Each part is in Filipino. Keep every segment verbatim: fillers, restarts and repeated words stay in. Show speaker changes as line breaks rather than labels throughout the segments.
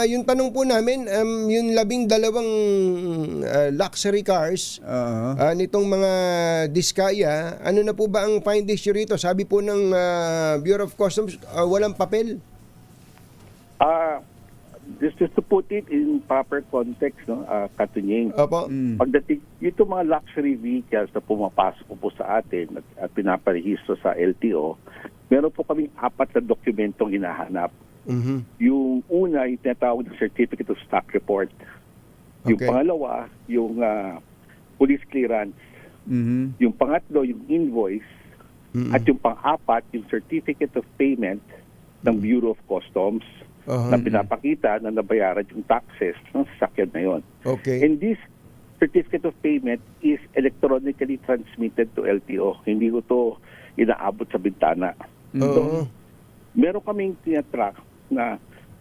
yung tanong po namin, um, yung labing dalawang uh, luxury cars
Oo.
uh, nitong mga Diskaya, ano na po ba ang find issue rito? Sabi po ng uh, Bureau of Customs, uh, walang papel.
Ah, just, just to put it in proper context, no, uh, Katunying,
Opo.
Mm.
pagdating ito mga luxury vehicles na pumapasok po sa atin at, at pinaparehistro sa L T O, meron po kaming apat na dokumentong hinahanap.
Mhm.
Yung una, yung tinatawag na Certificate of Stock Report. Yung
Okay.
pangalawa, yung ah, police clearance.
Mhm.
Yung pangatlo, yung invoice.
Mm-mm.
At yung pang-apat, yung Certificate of Payment ng Bureau of Customs
Aha.
na pinapakita na nabayaran yung taxes ng sasakyan na yon.
Okay.
And this Certificate of Payment is electronically transmitted to L T O. Hindi ko to inaabot sa bintana.
Oo.
Meron kaming tinatrack na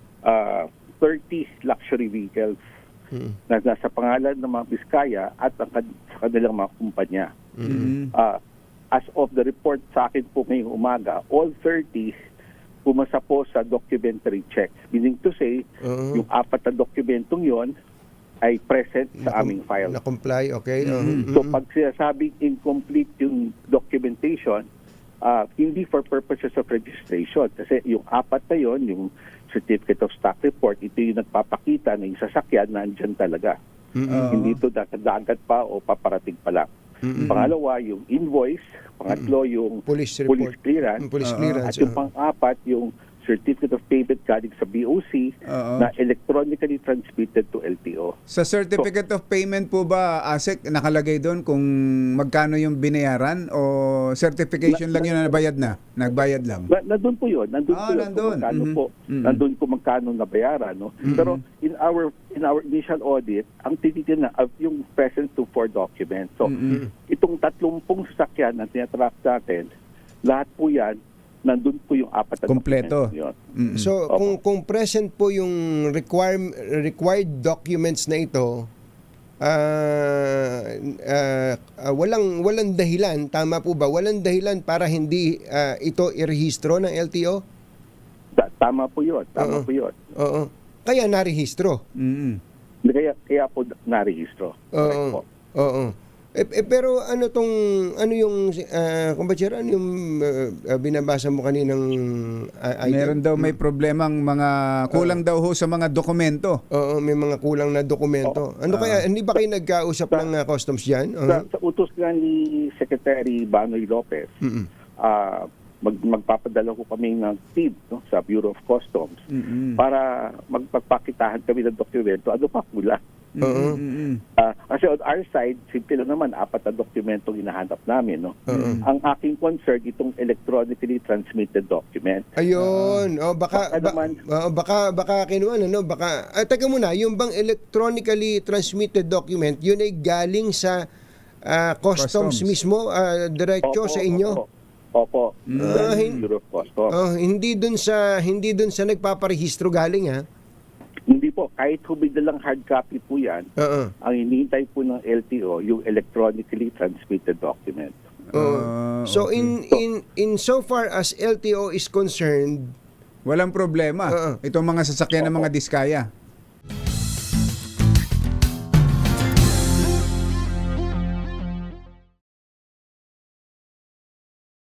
ah, thirty luxury vehicles
Mm.
na nasa pangalan ng mga Biskaya at ang kan- sa kanilang mga kumpanya.
Mhm.
Ah, as of the report sa akin po ngayong umaga, all thirty pumasa po sa documentary check. Meaning to say,
Oo.
yung apat na dokumentong yon ay present sa
Nakum-
aming file.
Na-comply, okay.
Mhm.
So pag sinasabing incomplete yung documentation, ah, hindi for purposes of registration. Kasi yung apat na yon, yung Certificate of Stock Report, ito yung nagpapakita na yung sasakyan na andyan talaga.
Mm-mm.
Oo.
Hindi ito dagat pa o paparating pa lang.
Mm-mm.
Pangalawa, yung invoice. Pangatlo, yung
Police
police
report.
clearance.
Mm, Police
Oo.
clearance.
At yung
oo.
pang-apat, yung Certificate of Payment galing sa B O C
Oo.
na electronically transmitted to L T O.
Sa Certificate of Payment po ba, ASEC, nakalagay doon kung magkano yung binayaran o certification lang yun na nabayad na? Nagbayad lang?
Na, nandun po yun. Nandun
Ah,
po yun
nandun.
kung magkano
Mhm.
po.
Mhm.
Nandun kung magkano nabayaran. No? Pero in our in our initial audit, ang tititin na uh, yung present to for document. So,
Mhm.
itong tatlumpung sasakyan na tinatrack natin, lahat po yan, nandun po yung apat na
Kompleto.
document yun.
Mhm.
So,
Opo.
kung kung present po yung require, required documents na ito, ah ah, ah, walang walang dahilan, tama po ba? Walang dahilan para hindi ah, ito irehistro ng L T O?
Ta- Tama po yun. Tama
Oo.
po yun.
Oo. Kaya narehistro.
Mhm.
Kaya, kaya po narehistro. Correct po.
Oo. Oo. Eh, eh, pero ano tong ano yung uh, kumbachera, ano yung ah, binabasa mo kaninang uh, item?
Meron daw may problemang mga kulang daw ho sa mga dokumento.
Oo, may mga kulang na dokumento. Ano kaya, hindi ba kayo nagkausap ng ah, customs diyan?
Sa, sa utos nga ni Secretary Banoy Lopez,
Mm-mm.
ah, mag, magpapadala ko kami ng team no, sa Bureau of Customs
Mhm.
para magpagpakitahan kami ng dokumento. Ano pa kulang?
Oo.
Mhm.
Ah, kasi on our side, simple lang naman, apat na dokumento hinahanap namin. No?
Oo.
Ang aking concern, itong electronically transmitted document.
Ayun. oh, baka
Baka
ba,
naman.
oh, baka baka kinuha ano, baka ah, teka muna, yung bang electronically transmitted document, yun ay galing sa ah, customs,
Customs.
mismo, ah, diretso
Opo,
sa inyo.
Opo. Opo.
Ah,
Sa
hin-
Bureau of Customs.
Oh, hindi dun sa hindi dun sa nagpaparehistro galing ha.
Hindi po, kahit hubig na lang hard copy po yan,
Oo.
ang hinihintay po ng L T O, yung electronically transmitted document.
Oo.
Ah,
So
okay.
in in in so far as L T O is concerned,
Walang problema.
Oo.
Itong mga sasakyan ng mga Diskaya.